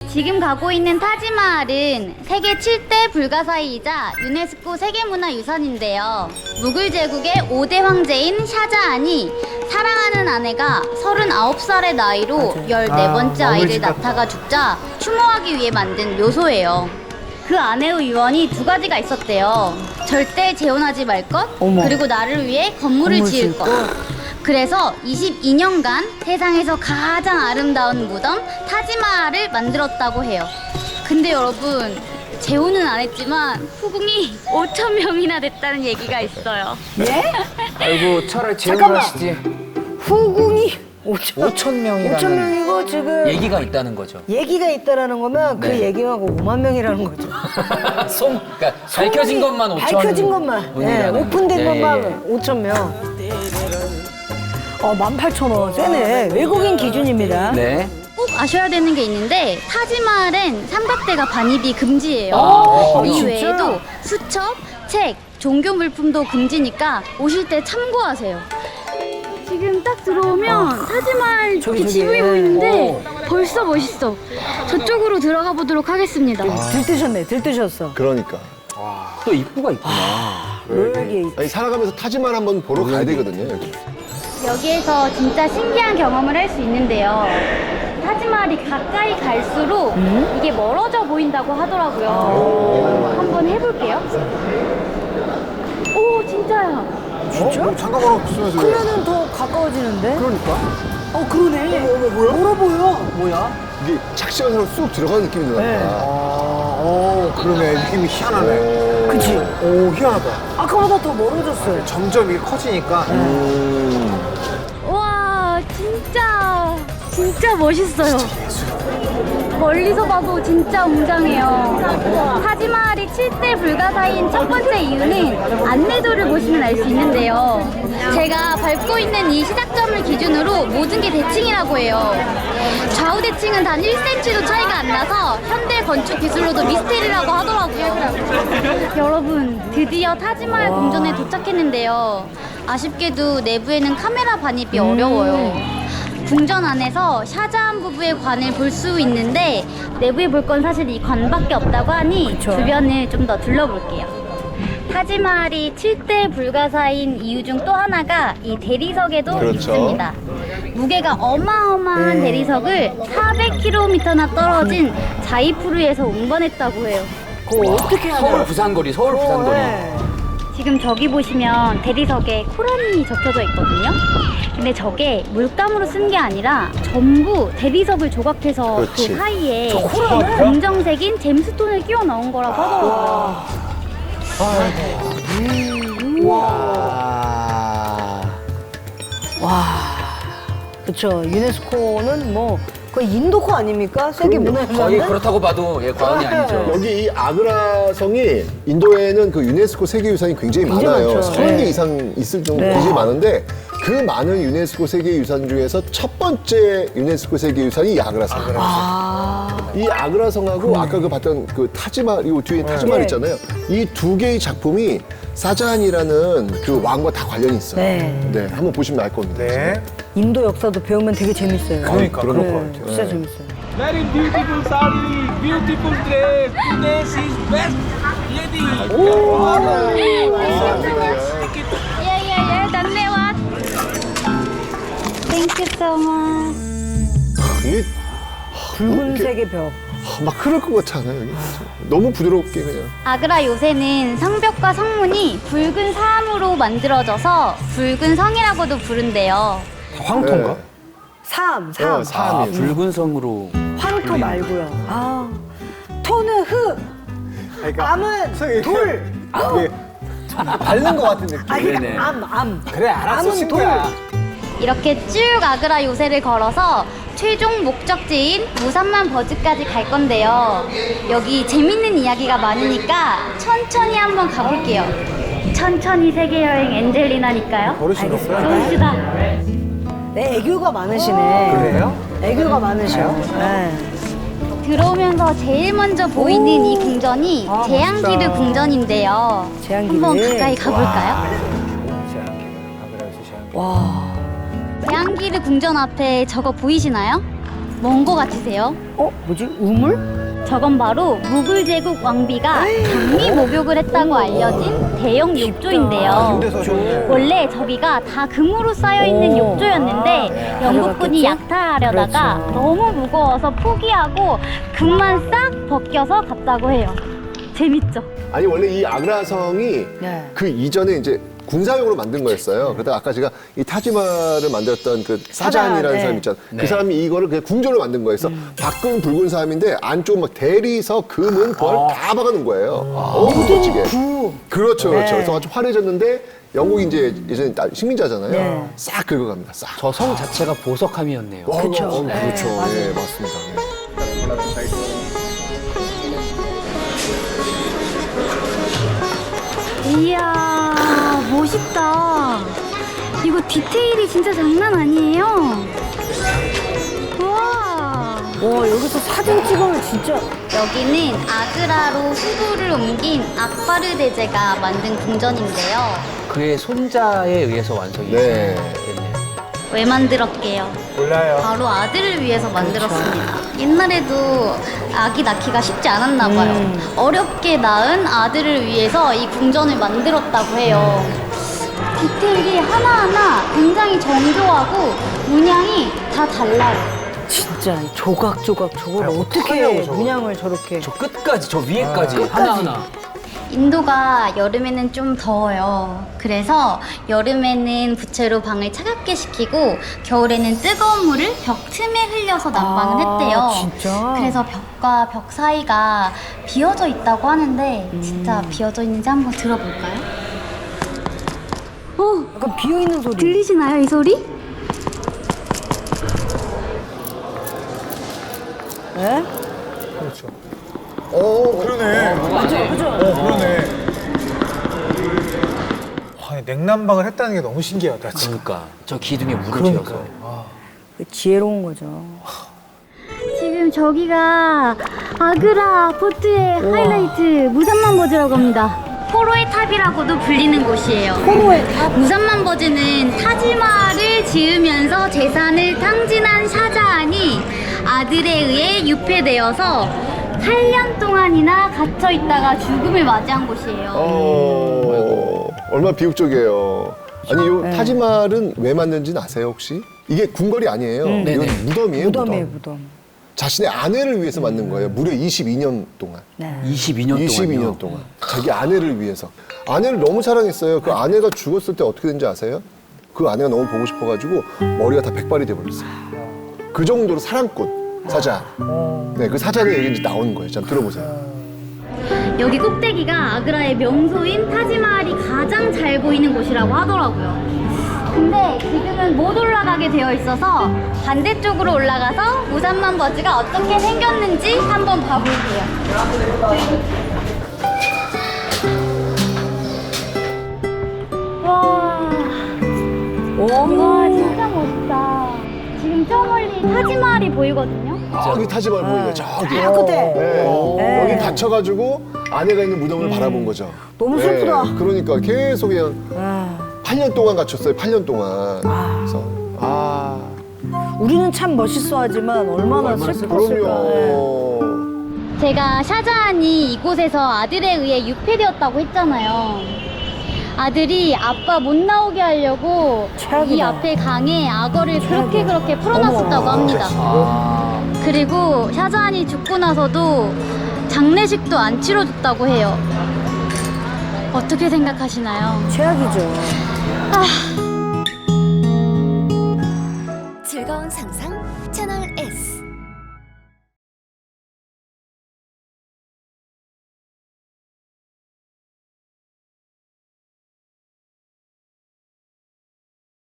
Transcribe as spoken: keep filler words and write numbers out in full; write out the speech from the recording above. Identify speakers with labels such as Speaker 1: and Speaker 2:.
Speaker 1: 지금 가고 있는 타지마할은 세계 칠 대 불가사의이자 유네스코 세계문화유산인데요. 무굴 제국의 오 대 황제인 샤자한이 사랑하는 아내가 서른아홉 살의 나이로 열네 번째
Speaker 2: 아,
Speaker 1: 아이를
Speaker 2: 마블
Speaker 1: 낳다가 죽자 추모하기 위해 만든 묘소예요. 그 아내의 유언이 두 가지가 있었대요. 절대 재혼하지 말 것,
Speaker 2: 어머.
Speaker 1: 그리고 나를 위해 건물을
Speaker 2: 건물
Speaker 1: 지을
Speaker 2: 지을
Speaker 1: 것. 그래서 이십이 년간 세상에서 가장 아름다운 무덤 타지마할을 만들었다고 해요. 근데 여러분, 재혼은 안 했지만 후궁이 오천 명이나 됐다는 얘기가 있어요.
Speaker 2: 예?
Speaker 3: 아이고 차라리 재혼을
Speaker 2: 잠깐만.
Speaker 3: 하시지.
Speaker 2: 후궁이 오천,
Speaker 3: 오천 명이라는
Speaker 2: 오천 명이고 지금
Speaker 3: 얘기가 있다는 거죠.
Speaker 2: 얘기가 있다라는 거면 그
Speaker 3: 네.
Speaker 2: 얘기하고 오만 명이라는 거죠.
Speaker 3: 송, 그러니까 밝혀진 것만 오천.
Speaker 2: 밝혀진 것만. 네,
Speaker 3: 분이라는.
Speaker 2: 오픈된
Speaker 3: 예,
Speaker 2: 것만
Speaker 3: 예.
Speaker 2: 오천 명. 어, 만 팔천 원. 세네. 외국인 기준입니다.
Speaker 3: 네.
Speaker 1: 꼭 아셔야 되는 게 있는데 타지마할엔 삼각대가 반입이 금지예요.
Speaker 3: 아,
Speaker 1: 이
Speaker 2: 진짜?
Speaker 1: 외에도 수첩, 책, 종교 물품도 금지니까 오실 때 참고하세요. 지금 딱 들어오면 타지마할
Speaker 2: 아. 저기,
Speaker 1: 이렇게
Speaker 2: 저기.
Speaker 1: 지붕이 보이는데 벌써 멋있어. 저쪽으로 들어가 보도록 하겠습니다.
Speaker 2: 들뜨셨네. 들뜨셨어.
Speaker 4: 그러니까.
Speaker 3: 또 입구가 있구나.
Speaker 2: 여기
Speaker 4: 아니, 살아가면서 타지만 한번 보러 가야 되거든요, 여기.
Speaker 1: 여기에서 진짜 신기한 경험을 할 수 있는데요. 타지마할이 가까이 갈수록 이게 멀어져 보인다고 하더라고요. 한번 해볼게요. 오, 진짜야.
Speaker 2: 진짜?
Speaker 4: 어? 장갑하고 쓰면서.
Speaker 2: 그러면은 더 가까워지는데?
Speaker 4: 그러니까.
Speaker 2: 어, 그러네.
Speaker 4: 어머, 어머, 뭐야?
Speaker 2: 멀어 보여.
Speaker 3: 뭐야?
Speaker 4: 이게 착시간 사람 쑥 들어가는 느낌이 드나
Speaker 2: 네.
Speaker 4: 보다.
Speaker 5: 어, 그러네. 느낌이 희한하네.
Speaker 2: 그치?
Speaker 5: 오, 희한하다.
Speaker 2: 아까보다 더 멀어졌어요.
Speaker 5: 점점 이게 커지니까.
Speaker 1: 와, 진짜, 진짜 멋있어요. 멀리서 봐도 진짜 웅장해요. 타지마할이 칠 대 불가사의인 첫 번째 이유는 안내도를 보시면 알 수 있는데요. 제가 밟고 있는 이 시작점을 기준으로 모든 게 대칭이라고 해요. 좌우 대칭은 단 일 센티미터도 차이가 안 나서 현대 건축 기술로도 미스테리라고 하더라고요. 여러분, 드디어 타지마할 궁전에 도착했는데요. 아쉽게도 내부에는 카메라 반입이 어려워요. 궁전 안에서 샤자한 부부의 관을 볼 수 있는데 내부에 볼 건 사실 이 관밖에 없다고 하니
Speaker 2: 그쵸.
Speaker 1: 주변을 좀 더 둘러볼게요. 타지마할이 칠 대 불가사의인 이유 중 또 하나가 이 대리석에도
Speaker 4: 그렇죠.
Speaker 1: 있습니다. 무게가 어마어마한
Speaker 2: 네.
Speaker 1: 대리석을 사백 킬로미터나 떨어진 자이푸르에서 운반했다고 해요.
Speaker 2: 그거 어떻게 하냐?
Speaker 3: 서울 부산거리, 서울 부산거리.
Speaker 2: 네.
Speaker 1: 지금 저기 보시면 대리석에 코란이 적혀져 있거든요. 근데 저게 물감으로 쓴 게 아니라 전부 대리석을 조각해서
Speaker 4: 그렇지.
Speaker 1: 그 사이에
Speaker 2: 코란을?
Speaker 1: 검정색인 잼스톤을 끼워 넣은 거라고 하더라고요.
Speaker 4: 와.
Speaker 2: 와. 그쵸. 유네스코는 뭐 거의 인도코 아닙니까? 세계
Speaker 4: 그럼요.
Speaker 3: 거의
Speaker 2: 문화유산은?
Speaker 3: 그렇다고 봐도 예, 과언이 아니죠.
Speaker 4: 여기 이 아그라성이 인도에는 그 유네스코 세계유산이 굉장히
Speaker 2: 굉장히
Speaker 4: 많아요.
Speaker 2: 많죠.
Speaker 4: 서른 개
Speaker 2: 네.
Speaker 4: 이상 있을 정도
Speaker 2: 네.
Speaker 4: 굉장히 많은데 그 많은 유네스코 세계유산 중에서 첫 번째 유네스코 세계유산이 이 아그라성이에요.
Speaker 2: 아.
Speaker 4: 이 아그라성하고 아까 그 봤던 그 타지마할, 이 뒤에 타지마할
Speaker 2: 네.
Speaker 4: 있잖아요. 이 두 개의 작품이 사자한이라는 그 왕과 다 관련이 있어요.
Speaker 2: 네.
Speaker 4: 네, 한번 보시면 알 겁니다.
Speaker 5: 네.
Speaker 2: 인도 역사도 배우면 되게 재밌어요.
Speaker 5: 그러니까, 그럴
Speaker 2: 네,
Speaker 5: 것 같아요.
Speaker 2: 진짜 재밌어요.
Speaker 6: Very beautiful sari, beautiful dress. Today she's best lady.
Speaker 1: 예예예, 단내와. Thank you so much.
Speaker 4: 이게
Speaker 2: 붉은색의 벽.
Speaker 4: 아, 막 흐를 것 같지 않아요? 여기? 너무 부드럽게 그냥.
Speaker 1: 아그라 요새는 성벽과 성문이 붉은 사암으로 만들어져서 붉은 성이라고도 부른대요.
Speaker 5: 황토인가?
Speaker 4: 네.
Speaker 2: 삼, 삼.
Speaker 4: 어,
Speaker 3: 아,
Speaker 4: 사암이에요.
Speaker 3: 붉은 성으로.
Speaker 2: 황토 말고요. 아. 토는 흙.
Speaker 5: 그러니까
Speaker 2: 암은
Speaker 5: 선생님,
Speaker 2: 돌. 아우.
Speaker 5: 이게 밟는 것 같은 느낌.
Speaker 2: 아,
Speaker 3: 네네.
Speaker 2: 그러니까 암, 암.
Speaker 5: 그래, 알았어,
Speaker 2: 암은
Speaker 5: 친구야.
Speaker 1: 이렇게 쭉 아그라 요새를 걸어서 최종 목적지인 무산만 버즈까지 갈 건데요. 여기 재밌는 이야기가 많으니까 천천히 한번 가볼게요. 천천히 세계여행 엔젤리나니까요.
Speaker 5: 버릇이 없어요.
Speaker 1: 좋으시다.
Speaker 2: 네, 애교가 많으시네.
Speaker 5: 그래요?
Speaker 2: 애교가 많으셔. 네.
Speaker 1: 들어오면서 제일 먼저 보이는 이 궁전이
Speaker 2: 아,
Speaker 1: 제앙기르
Speaker 2: 멋있다.
Speaker 1: 궁전인데요.
Speaker 2: 제앙기르.
Speaker 1: 한번 가까이 가볼까요?
Speaker 2: 와.
Speaker 1: 제앙기르 궁전 앞에 저거 보이시나요? 뭔 거 같으세요?
Speaker 2: 어, 뭐지? 우물?
Speaker 1: 저건 바로 무굴 제국 왕비가 장미 목욕을 했다고 알려진 대형 욕조인데요.
Speaker 5: 그래서 좀
Speaker 1: 원래 저기가 다 금으로 쌓여 있는
Speaker 2: 오.
Speaker 1: 욕조였는데 영국군이
Speaker 2: 가져갔겠죠?
Speaker 1: 약탈하려다가
Speaker 2: 그렇죠.
Speaker 1: 너무 무거워서 포기하고 금만 싹 벗겨서 갔다고 해요. 재밌죠?
Speaker 4: 아니 원래 이 아그라성이
Speaker 2: 네.
Speaker 4: 그 이전에 이제 군사용으로 만든 거였어요. 그러다 아까 제가 이 타지마를 만들었던 그 사잔이라는
Speaker 2: 사잔, 네.
Speaker 4: 사람 있잖아.
Speaker 3: 네.
Speaker 4: 그 사람이 이거를 그냥 궁전으로 만든 거였어. 밖은 붉은 사람인데 안쪽 막 대리석, 금은 별 다 박아놓은 거예요. 엄청 멋지게.
Speaker 2: 구.
Speaker 4: 그렇죠, 그렇죠.
Speaker 2: 네.
Speaker 4: 그래서 아주 화려해졌는데 영국이 이제 예전에 나- 식민자잖아요.
Speaker 2: 네.
Speaker 4: 싹 긁어갑니다. 싹.
Speaker 3: 저 성 자체가 보석함이었네요.
Speaker 4: 와,
Speaker 2: 그쵸.
Speaker 4: 어,
Speaker 2: 네,
Speaker 4: 그렇죠.
Speaker 2: 맞아요.
Speaker 4: 예, 맞습니다. 네.
Speaker 1: 이야, 멋있다. 이거 디테일이 진짜 장난 아니에요. 우와.
Speaker 2: 와, 여기서 사진 찍으면 진짜.
Speaker 1: 여기는 아그라로 수도를 옮긴 악바르 대제가 만든 궁전인데요.
Speaker 3: 그의 손자에 의해서 완성이
Speaker 4: 네.
Speaker 3: 됐네요.
Speaker 1: 왜 만들었게요?
Speaker 5: 몰라요.
Speaker 1: 바로 아들을 위해서 만들었습니다. 옛날에도 아기 낳기가 쉽지 않았나 봐요. 어렵게 낳은 아들을 위해서 이 궁전을 만들었다고 해요. 디테일이 하나하나 굉장히 정교하고 문양이 다 달라요.
Speaker 2: 진짜 조각조각 저걸
Speaker 5: 아니,
Speaker 2: 어떻게
Speaker 5: 어떡하냐고, 저걸.
Speaker 2: 문양을 저렇게.
Speaker 3: 저 끝까지, 저 위에까지 하나하나.
Speaker 1: 인도가 여름에는 좀 더워요. 그래서 여름에는 부채로 방을 차갑게 식히고 겨울에는 뜨거운 물을 벽 틈에 흘려서 난방을
Speaker 2: 아,
Speaker 1: 했대요.
Speaker 2: 진짜?
Speaker 1: 그래서 벽과 벽 사이가 비어져 있다고 하는데 진짜 비어져 있는지 한번 들어볼까요? 어,
Speaker 2: 약간 비어있는 소리.
Speaker 1: 들리시나요 이 소리?
Speaker 2: 네?
Speaker 5: 그렇죠. 오, 그러네.
Speaker 2: 그죠, 그죠.
Speaker 5: 어, 그러네. 와, 이 냉난방을 했다는 게 너무 신기하다, 지금.
Speaker 3: 그러니까 저 기둥에 물을
Speaker 5: 그러니까.
Speaker 3: 채워서.
Speaker 2: 그 지혜로운 거죠.
Speaker 1: 지금 저기가 아그라 포트의 하이라이트 무삼만 버즈라고 합니다. 포로의 탑이라고도 불리는 곳이에요.
Speaker 2: 포로의 탑?
Speaker 1: 무삼만 버즈는 타지마를 지으면서 재산을 탕진한 샤자한이 아들에 의해 유폐되어서 팔 년 동안이나 갇혀 있다가 죽음을 맞이한 곳이에요.
Speaker 4: 어, 얼마나 비극적이에요. 아니, 요
Speaker 2: 네.
Speaker 4: 타지말은 왜 만든지는 아세요, 혹시? 이게 궁궐이 아니에요. 이건
Speaker 3: 네네.
Speaker 4: 무덤이에요,
Speaker 2: 무덤이에요,
Speaker 4: 무덤.
Speaker 2: 무덤.
Speaker 4: 자신의 아내를 위해서 만든 거예요. 무려 이십이 년 동안.
Speaker 2: 네.
Speaker 3: 이십이 년 동안요.
Speaker 4: 이십이 년 동안. 자기 아내를 위해서. 아내를 너무 사랑했어요. 그 아내가 죽었을 때 어떻게 된지 아세요? 그 아내가 너무 보고 싶어가지고 머리가 다 백발이 돼버렸어요. 그 정도로 사랑꾼, 사자. 네, 그 사자의 얘기 이제 나오는 거예요. 자, 들어보세요.
Speaker 1: 여기 꼭대기가 아그라의 명소인 타지마할이 가장 잘 보이는 곳이라고 하더라고요. 근데 지금은 못 올라가게 되어 있어서 반대쪽으로 올라가서 무삼만 버즈가 어떻게 생겼는지 한번 봐볼게요. 와, 와 진짜 멋있다. 지금 저 멀리 타지마할이 보이거든요.
Speaker 4: 저기 타지말 보이네요. 저기.
Speaker 2: 아, 끝에.
Speaker 4: 네.
Speaker 2: 네.
Speaker 4: 여기 갇혀가지고 아내가 있는 무덤을 바라본 거죠.
Speaker 2: 너무 슬프다.
Speaker 4: 네, 그러니까 계속 그냥
Speaker 2: 아,
Speaker 4: 팔 년 동안 갇혔어요. 팔 년 동안. 그래서 아,
Speaker 2: 우리는 참 멋있어 하지만 얼마나 슬펐을까.
Speaker 4: 그럼요.
Speaker 1: 제가 샤자한이 이곳에서 아들에 의해 유폐되었다고 했잖아요. 아들이 아빠 못 나오게 하려고
Speaker 2: 최악이다.
Speaker 1: 이 앞에 강에 악어를 그렇게 그렇게 풀어놨었다고 합니다.
Speaker 3: 아,
Speaker 1: 그리고 샤자한이 죽고 나서도 장례식도 안 치러줬다고 해요. 어떻게 생각하시나요?
Speaker 2: 최악이죠.
Speaker 7: 즐거운 상상 채널 S